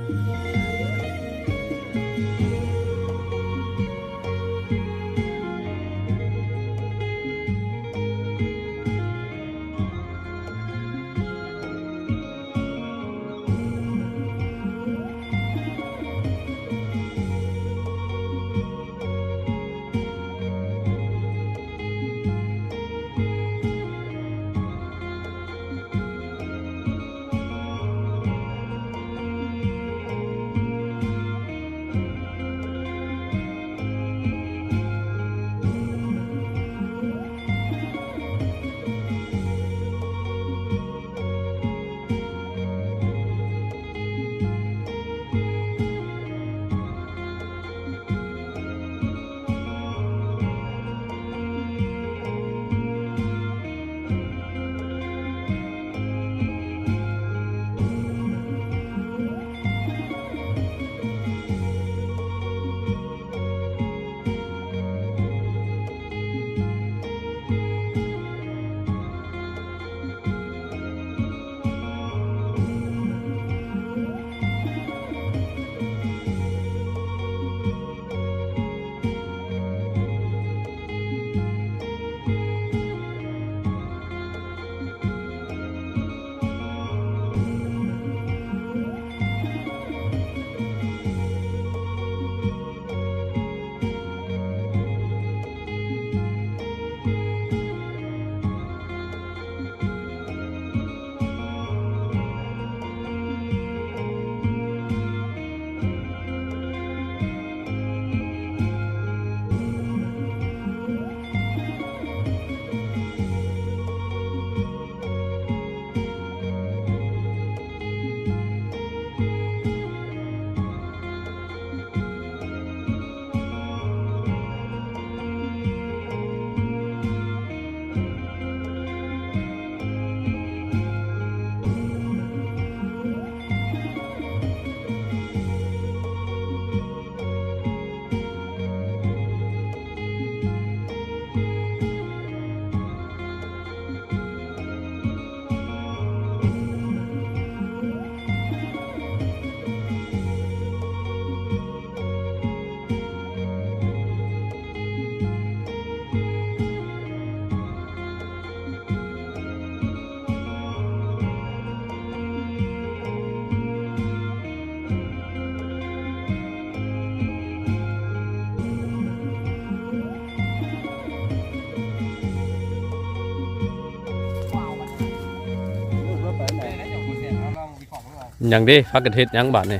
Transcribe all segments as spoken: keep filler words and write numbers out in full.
ยังดิพักกระเทศยังบาดนี่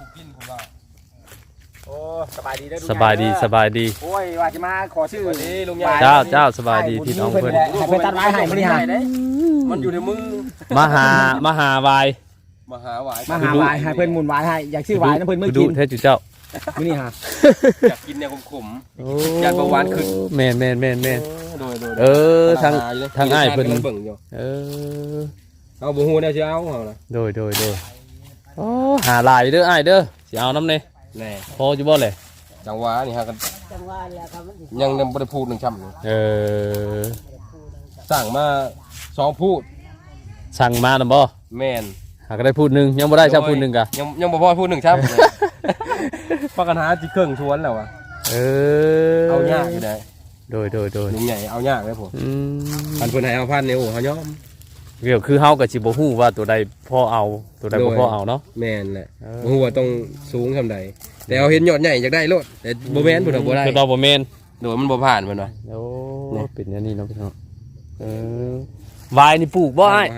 โอ้สบายดีเด้อสบายดีสบายดีโอ้ยว่าจะมาขอชื่อนี้ลุงใหญ่เจ้าเจ้าสบายดีพี่น้องเพิ่นให้ไปตัดไม้ให้มันนี่ฮะมันอยู่ในมือมหามหาวายมหาวายมหาวายให้เพิ่นหมุนวายให้อยากชื่อวายนะเพิ่นมื้อกินเทศจุเจ้ามื้อนี้ฮะอยากกินแนวขมๆยานเบาหวานขึ้นแม่นแม่นแม่นแม่นโดยโดยเออทางทางอ้ายเพิ่นเออเอาบ่ฮู้แนวสิเอาเอาล่ะโดยโดยโดยโอ้หาหลายเด้ออ้ายเด้อสิเอานำแน่แน่พออยู่บ่เลยจังหวะนี่ฮะกันจังหวะแล้วครับยังยังบ่ได้พูดหนึ่งคำเออสั่งมาสองพูดสั่งมานำบ่แม่นหาก็ได้พูดนึงยังบ่ได้ชับพูดนึงกะยังยังบ่พอพูดหนึ่งครับปากกันหาจิเครื่องชวนแล้วอ่ะเออเอายากอยู่ได้โดยโดยโดยลุงใหญ่เอายากเลยผมพันเพิ่นให้เอาพันเนี่ยโอ้เฮายอมเกี่ยวคือเฮาก็สิบ่ฮู้ว่าตัวใดพอเอาตัวใดบ่พอเอาเนาะแม่นแหละบ่ฮู้ว่าต้องสูงซำใดแต่เอาเห็นยอดใหญ่อยากได้โลดแต่บ่แม่นพุ่นบ่ได้คือบ่แม่นโดยมันบ่ผ่านเพิ่นว่าโอ้เป็นอย่างนี้เนาะพี่น้องเออวายนี่ปลูกบ่อ้า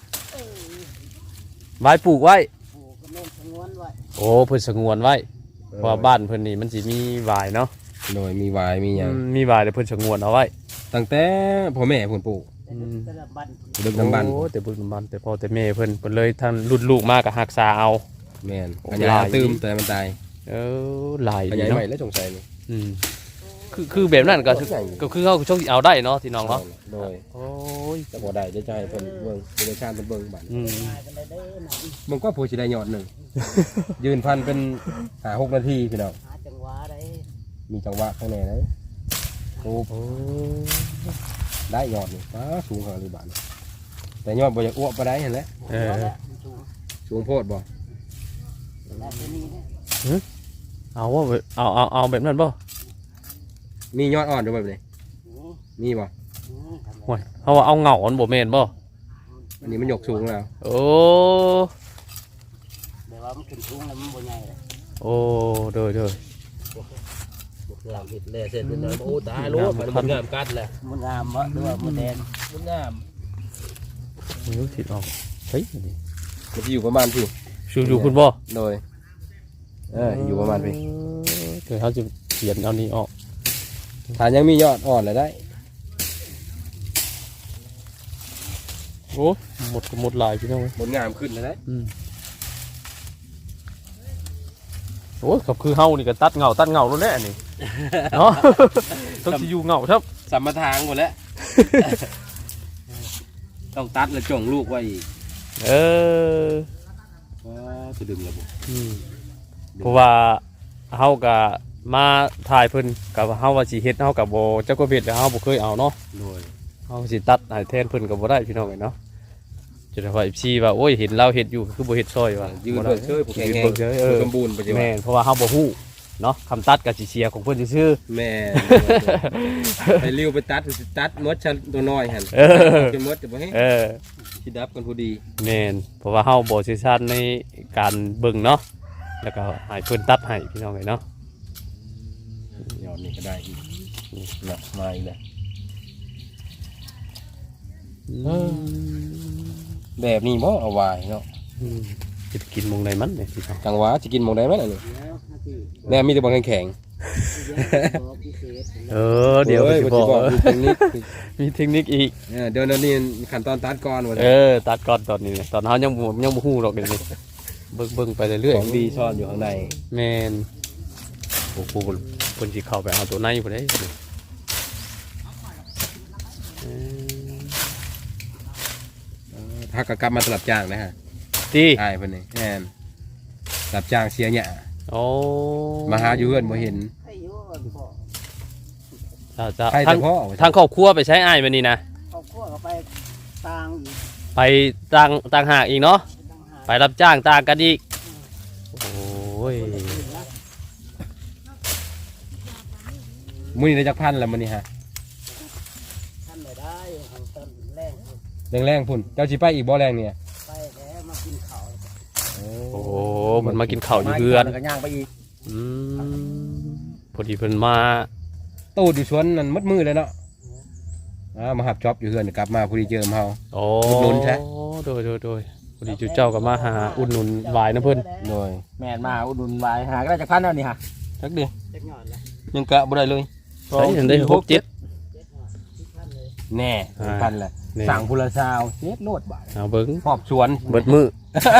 ยวายปลูกไว้โอ้เพิ่นสงวนไว้เพราะบ้านเพิ่นนี่มันสิมีวายเนาะโดยมีวายมีหยังมีวายแต่เพิ่นสงวนเอาไว้ตั้งแต่พ่อแม่เพิ่นปลูกดึกดำบรรพ์โอ้แต่ดึกดำบรรพ์แต่พ่อแต่แม่เพิ่นเพิ่นเลยท่านรุ่นลูกมาก็รักษาเอาแม่นอันนี้ตื้มแต่มันตายเออหลายอันใหญ่ใหม่แล้วสงสัยนี่อืมคือคือแบบนั้นก็ก็คือเขาช่วงเอาได้เนาะที่น้องเนาะโดยโอ้ยจะบ่ได้จะให้เพิ่นเบิ่งเป็นชาติเพิ่นเบิ่งบัดอืมมันก็ผู้สิได้ยอดนึงยืนพันเป็นห้า หกนาทีพี่น้องจังหวะได้มีจังหวะข้างในเด้อโอ้ได้ยอดนี่ฟ้าสูงขนาดนี้บาดแต่ยอดบ่อยากอ้วกบ่ได้เห็นแล้วเออสูงโพดบ่เอาว่าเอาเอาเอาแบบนั้นบ่มียอดอ่อนด้วยแบบนี้มีบ่โอ้ยเขาว่าเอาเหงาอันบ่แม่นบ่อันนี้มันยกสูงแล้วโอ้แต่ว่ามันขึ้นสูงแล้วมันบ่ใหญ่เลยโอ้โดยโดยงามเห็ดเลยเสร็จเลยโอ้ตายรู้มันงามกัดแหละมันงามวะหรือว่ามันแดงมันงามไม่รู้สิออกเฮ้ยนี่มันจะอยู่ประมาณพี่ชูอยู่คุณบ่โดยเอออยู่ประมาณพี่เดี๋ยวเขาจะเขียนเอานี้ออกถ้ายังมียอดอ่อนเลยได้โอ้หมดก็หมดลายพี่น้องเว้ยผลงามขึ้นเลยได้อืมโอ้ยกับคือเฮานี่ก็ตัดเหงาตัดเหงาแล้วแน่นี่ เนาะ ต้องสิอยู่เหงาครับสัมมาทางหมดแล้ว ต้องตัดแล้วจ่งลูกไว้อีกเออจะดึงระบบอืมเพราะว่าเฮาก็มาถ่ายเพิ่นกับเฮาว่าสิเฮ็ดเฮากับบ่จักก็เฮ็ดแล้วเฮาบ่เคยเอาเนาะโดยเฮาสิตัดให้แทนเพิ่นก็บ่ได้พี่น้องเอ้ยเนาะจะได้ว่า เอฟ ซี ว่าโอ้ยเห็นเราเฮ็ดอยู่คือบ่เฮ็ดซอยว่ายืนบ่เบิได้กเชยผูกแข็งยืนแรงเบิ่งเฉยเออสมบูรณ์ปัจจุบัแม่นนเพราะว่าเฮาบ่ฮู้เนาะคำตัดก็สิเสียของเพิ่นซื่อแม่ไปริ้วไปตัดตัดมดชันตัวน้อยหันๆเออจะมดจะบ่ให้เออชิดับกันพอดีแม่นเพราะว่าเฮาบ่เชี่ยวชาญในการเบิ่งเนาะแล้วก็ให้เพิ่นตัดให้พี่น้องเอ้ยเนาะยอดนี่ก็ได้อีกนะมาอีกแล้วแบบนี้บ่เอาไว้เนาะอืมจะไปกินหมองใดมันเนี่ยพี่น้องจังหวะจะกินหมองได้ไหมล่ะนี่แล้วนาทีแม่มีแต่บอลแข็งบอกพิเศษเออเดี๋ยวอ้สิบ่บอกมีเทคนิคมีเทคนิคอีกเออเดี๋ยวนี้ขั้นตอนตัดก่อนว่าเออตัดก่อนตอนนี้เนี่ยตอนเฮายังบ่ยังบ่ฮู้หรอกเดี๋ยวนี้เบิ่งเบิ่งไปเรื่อยของดีซ่อนอยู่ข้างในๆแม่นโอ้โหเพิ่นสิเข้าไปเอาตัวในพุ่นเด้เออถ้ากกลับมาสลับจ้างนะฮะติใช่เพิ่นนี่แม่นสลับจ้างเสียหยาโอ้มาหาอยู่เฮือนบ่เห็นให้อยู่พ่อจ้าจ้าใครทาแต่งพ่อทางครอบครัวไปใช้อ้ายมื้อนี้นะเอาขั้วเข้าไปตางอีกไปต่างต่างหากอีกเนาะต่างหากไปรับจ้างต่างกันอีกโอ้ยมื้อนี้ได้จักพันแล้วมื้อนี้ฮะท่านไม่ได้ทางต้นแรงแรงๆพุ่นเจ้าสิไปอีกบ่แรงเนี่ยไปแล้วมากินข้าวโอ้โหมันมากินข้าวอยู่เพื่อนแล้วก็ย่างไปอีกอืมพอดีเพิ่นมาตูดอยู่สวนนั่นมัดมือเลยเนาะอ่ามาหับจ็อบอยู่เฮือนกลับมาพอดีเจอมาเฮาโอ้อุดหนุนใช่โดยโดยโดยพอดีจุเจ้าก็มาหาอุดหนุนวายนะเพิ่นโดยแม่นมาอุดหนุนไว้หาก็ได้จากพันแล้วนี่ฮะจักเดียวจักหยอดละยังกะบ่ได้เลยใช้ได้หกเจ็ดเจ็ดหยอดที่ท่านเลยแน่อ่าพันแหละนี่สั่งพุละซาวเฮ็ดโลดบาทเอาเบิ้งหอบสวนเบิดมือ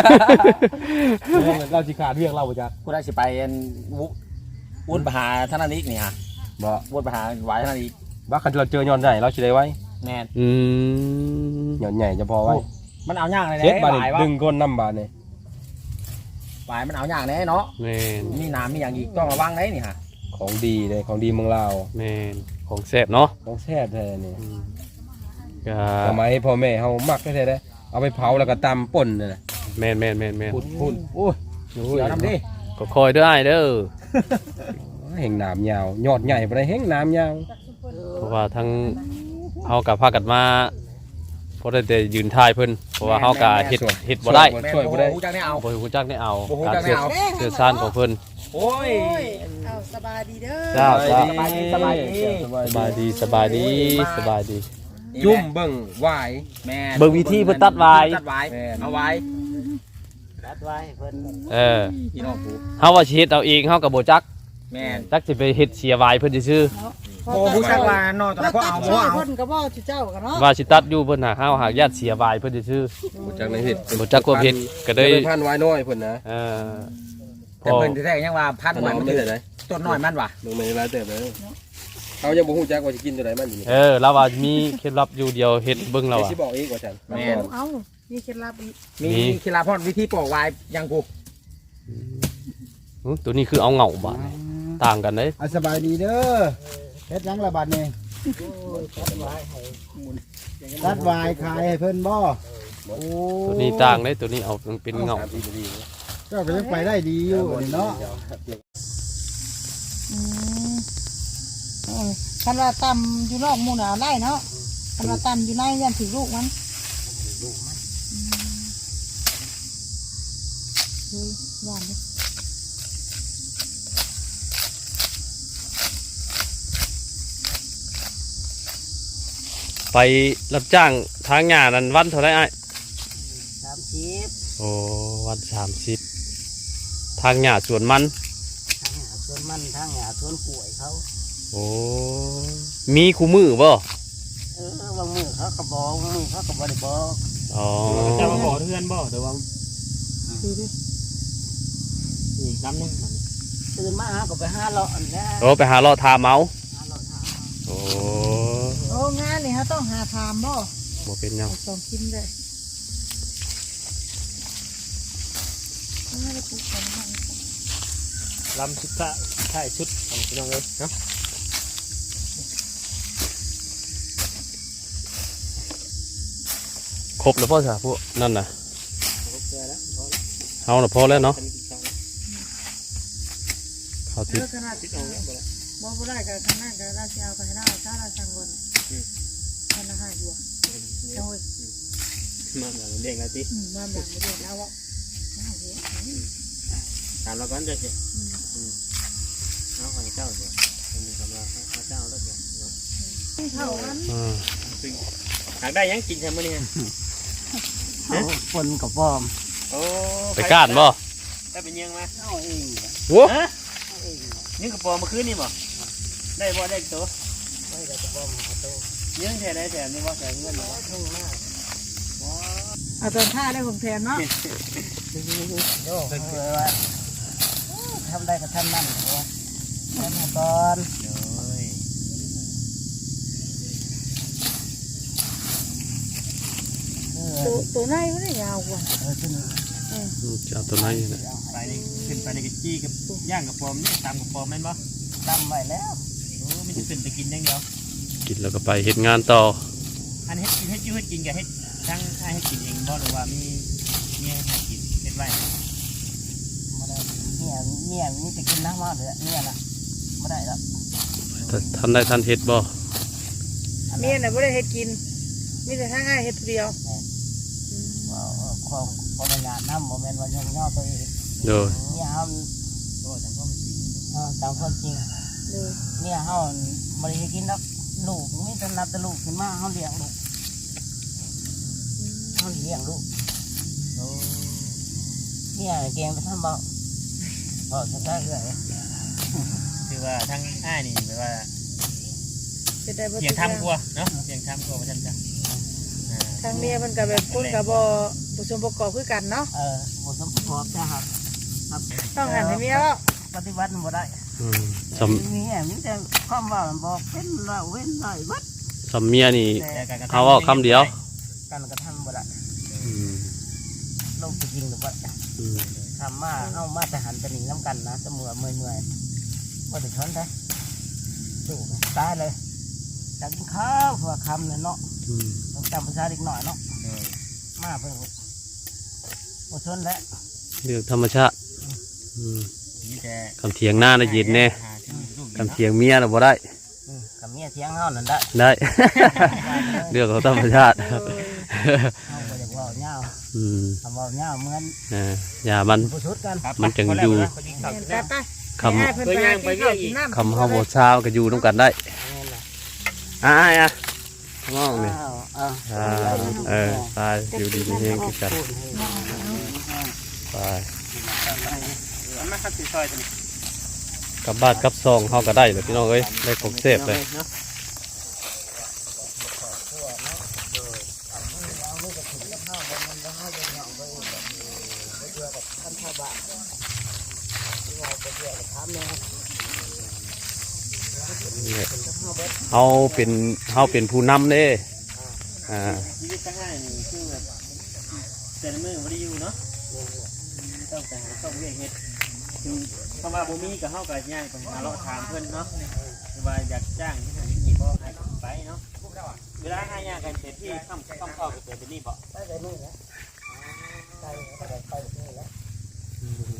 เราสิขาดเรื่องเราบ่จักกูได้สิไปอันวุวุ่นไปหาท่านนั้นอีกนี่ฮะบ่วุ่นไปหาไว้ท่านนั้นอีกว่าคันเราเจอยอนใหญ่เราสิได้ไว้แม่นอืมยอนใหญ่จะพอไว้มันเอาย่างเลยเจ็ดเด้บาทหนี่วายว่าดึงก้นน้ำบาทนี่หวายมันเอาย่างแน่เนาะแม่นมีน้ำมีอย่างอีกต้องระวังเด้นี่ฮะของดีเลยของดีเมืองลาวแม่นของแซ่บเนาะของแซ่บแท้นี่อืมก็สมัยพ่อแม่เฮามักแท้ๆเด้เอาไปเผาแล้วก็ตำป่นนั่นน่ะแม่นแม่นแม่นแม่นพูดพูดโอ้ยเดี๋ยวน้ำดิก็คอยเด้ออ้ายเด้อแห่งหนามยาวยอดใหญ่บ่ได้แห่งหนามยาวเพราะว่าทั้งเฮากับพากันมาเพราะได้แต่ยืนถ่ายเพิ่นเพราะว่าเฮาก็เฮ็ดเฮ็ดบ่ได้แม่นช่วยบ่ได้โอ้โหจังได้เอาบ่ฮู้จักได้เอาบ่ฮู้การจักได้เสื้อเอาเสื้อซ่านของเพิ่นโอ้ยเอาสบายดีเด้อเจ้าเจ้าสบายดีสบายดีสบายดีสบายดีสบายดีจุ่มเบิ่งหวายแม่นเบิ่งวิธีเพิ่นตัดไว้ตัดไว้แม่นเอาไว้รัดไว้ให้เพิ่นเออพี่น้องกูเฮาว่าสิเฮ็ดเอาเองเฮาก็บ่จักแม่นจักสิไปเฮ็ดเสียวายเพิ่นซื่อโอ้ผู้ชักว่าน้อยตอนนั้นก็เอาบ่บ่เอาเพิ่นก็บ่สิเจ้ากันเนาะๆว่าสิตัดอยู่เพิ่นหาเฮาหากญาติเสียวายเพิ่นซื่อบ่จักในเฮ็ดบ่จักความเฮ็ดก็ได้พันไว้น้อยเพิ่นนะเออพแต่อเพิ่นแท้ๆยังว่าพันขนไว้มมันมันถืได้อไหนต้นน้อยมันว่ะลงมาในร้านเติบเลยเขายังบ่ฮู้จักว่าสิกินตัวไหนมันอยู่นี่เออแล้วว่ามีเคล็ดลับอยู่เดียวเฮ็ดเบิ่งแล้วเดี๋ยวอ่ะสิบอกอีกว่าฉันแม่นเอามีเคล็ดลับอีกมีมีกีฬาพรวิธีปอกไว้ยังกูอื้อตัวนี้คือเอาเหงาบาดนี่ต่างกันเด้อ่ะสบายดีเด้อเฮ็ดหยังละบัดนี่รัดไว้ให้รัดวายขายให้เพิ่นบ่โอ้ตัวนี้ต่างเด้ตัวนี้เอาเป็นเหงาสมสิบนาทีเจ้าก็ยังไปได้ดีอยู่นี่เนาะอืมเออคันว่าตำอยู่นอกหมู่หนาวไล่เนาะคันว่าตำอยู่ในยันถึงลูกมันอืมเฮ้ยหวานเลยไปรับจ้างทางหญ้านั้นวันเท่าไรไอ้สามสิบโอ้วันสามสิบทางหญ้าสวนมันทางหาสวนมันทางหาสวนกล้วยเขาโอ้มีคู่มือบ่เออบางมือเขาก็บอกบางมือเขาก็บ่ได้บอกอ๋อจะมาขอเพื่อนบ่เดี๋ยวว่าดูดิอีกน้ำนึงตื่นมาหาก็ไปหาเลาะอันนี้โอ้ไปหาเลาะทาเมาหาเลาะทางโอ้โอ้งานนี่ฮะต้องหาทามบ่บ่เป็นหยังเอาสองกินเลยไม่ได้ปลูกกันบ้างลำชุดท้ายท้ายชุดของพี่น้องเลยเนาะครบแล้วพ่อสาพวกนั่นน่ะเจอแล้วพอแล้วเฮาน่ะพอแล้วเนาะอันนี้กินข้าวแล้วข้าวเอทิพอย์ขนาดติดเอาแล้วบ่แล้วบ่บ่ได้กับข้างหน้ากับราชเอาไปให้ได้ถ้าเราสั่งบนมันละห้าอยู่อ่ะโอ้ยมาหลังเด้งแล้วติอืมมาหลังไม่ได้แล้วอ่ะเอาเหี้ยอืมถามเราก่อนจะสิเอาของเจ้าเดี๋ยวมีคำว่าเอาเจ้าแล้วเดี๋ยวเนาะเท่านั้นอ่าหากได้ยังกินใช่ไหมเนี่ยฝนกับปอมโอ้ไปก้านบ่ได้เป็นยังมาเอาเองโอ้ฮะยังกระปอมมาคืนนี่บ่ได้บ่ได้ตัวไม่ได้กับปอมเขาโตยังแถได้แถมนี่บ่แถมเงินบ่ทุ่งหน้าเอาตอนท่าได้ผมแทนเนาะโย่เลยว่าทำได้ก็ทำนั่นเหรอทำมาก่อนเลยเออตัวตัวในไม่ได้ยาวกว่าเออขึ้นจะเอาตัวไหนน่ะไปนี่ขึ้นไปในกระจี้กับย่างกระปอมนี่ตามกระปอมแม่นบ่ตำไว้แล้วโอ้ไม่ใช่ขึ้นไปกินอย่างเดียวกินแล้วก็ไปเฮ็ดงานต่ออันเฮ็ดกินเฮ็ดอยู่เฮ็ดกินกับเฮ็ดทั้งให้เฮ็ดกินเองบ่หรือว่ามีมีให้กินเฮ็ดไว้มาได้เนี่ยเนี่ยนี่จะกินน้ำมาเลยเนี่ยนะไม่ได้แล้วถ้าท่านได้ท่านเฮ็ดบ่เมียน่ะไม่ได้เฮ็ดกินมีแต่ทางง่ายเฮ็ดผู้เดียวว่าความความงานน้ำโมเมนต์วันยังย่อตัวเองโดยเนี่ยเขาโอ้แต่ก็มีจริงเออตามความจริงเลยเนี่ยเขาไม่ได้กินแล้วลูกไม่ต้องนับแต่ลูกขึ้นมาเขาเลี้ยงลูกเขาเลี้ยงลูกโอ้เนี่ยเกมไปทำเบาเบาจะได้เลยคือว่าทั้งอ้ายนี่แปลว่าเฮ็ดได้บ่เสียงทำกลัวเนาะเสียงทำกลัวว่าซั่นจ้ะอ่าทางเมียมันก็แบบคนก็บ่บ่สมประกอบคือกันเนาะเออหมดสมบูรณ์จะหักหักต้องหันให้เมียแล้วปฏิบัติบ่ได้อืมสมีแหมีแต่ความว่าบอกเป็นว่าเว้นไรวัดำสำเมียนี่แต่การกระทำเอาเอาคำเดียวการกระทำบ่ได้อืมลูกจะยิงหรือว่าอืมทำมาเอามาแต่หันจะหนีน้ำกันนะจะเมื่อเมื่อยเมื่อยว่าจะช้อนได้ดูตายเลยจากกินข้าวเพื่อคำเนี่ยเนาะอืมต้องจำภาษาเด็กหน่อยเนาะเออมาเพิ่งบ่ชนแล้วเรื่องธรรมชาติอืมมีแต่คำเถียงหน้าน่ะเย็นแน่หาที่ลูกคำเถียงเมียน่ะบ่ได้อืมกับเมียเทียงเฮานั่นได้ได้ เรื่องของธรรมชาติเฮาก็อยากเว่าเงาอืมทำเว่าเงาเหมือนอ่าอย่ามันผู้ชุดกันครับมันจึงอยู่พอดีครับไปไปคำให้เพิ่นไปหากินข้าวกินน้ำคำเฮาบ่เช้าก็อยู่นำกันได้นี่แหละอ่าอ่ะมองนี่อ้าวอ้าวอ่าเออไปอยู่ดีมีเฮงคือกันไปเอามาครับสิซอยตัวนี้กลับบ้านกลับซองเฮาก็ได้เลยพี่น้องเอ้ยได้ของเสพเลยเนาะเฮาเป็นเฮาเป็นผู้นำเด้อ่าชีวิตทั้งง่ายนี่คือแบบแต่ละมือบ่ได้อยู่เนาะต้องแต่หาต้องเรียกเฮ็ดคือคำว่าบ่มีก็เฮาก็ย่างไปหาเลาะถามเพิ่นเนาะว่าอยากจ้างที่ไหนนี่บ่ให้ไปเนาะเวลาหายากกันเสร็จที่ค่ำค่ำเข้าก็เปิดเป็นนี่บ่ไปไปนู่นแล้วไปไปไปนี่แล้ว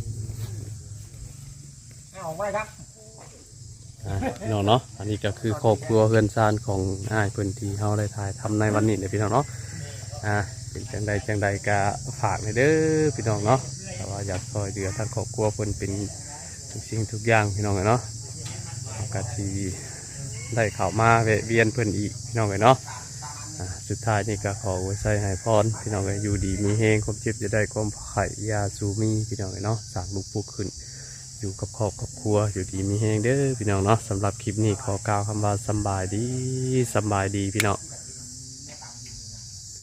อ่ะพี่น้องเนาะอันนี้ก็คือครอบครัวเพื่อนซานของอ้ายเพิ่นที่เฮาได้ถ่ายทำในวันนี้เลยพี่น้องเนาะอ่ะเป็นจังใดจังใดก็ฝากในเด้อพี่น้องเนาะแต่ว่าอยากซอยเหลือทางครอบครัวเพิ่นเป็นทุกสิ่งทุกอย่างพี่น้องเนาะก็สิได้เข้ามาแวะเวียนเพิ่นอีกพี่น้องเนาะอ่ะสุดท้ายนี่ก็ขอไว้ใส่ให้พรพี่น้องอยู่ดีมีเฮงความเจ็บจะได้ความไข่ยาสูมีพี่น้องเนาะสร้างลูกปลูกขึ้นอยู่กับครอบกับครัวอยู่ดีมีแหงเด้อพี่น้องเนาะสำหรับคลิปนี้ขอกล่าวคำว่าสำบายดีสำบายดีพี่น้อง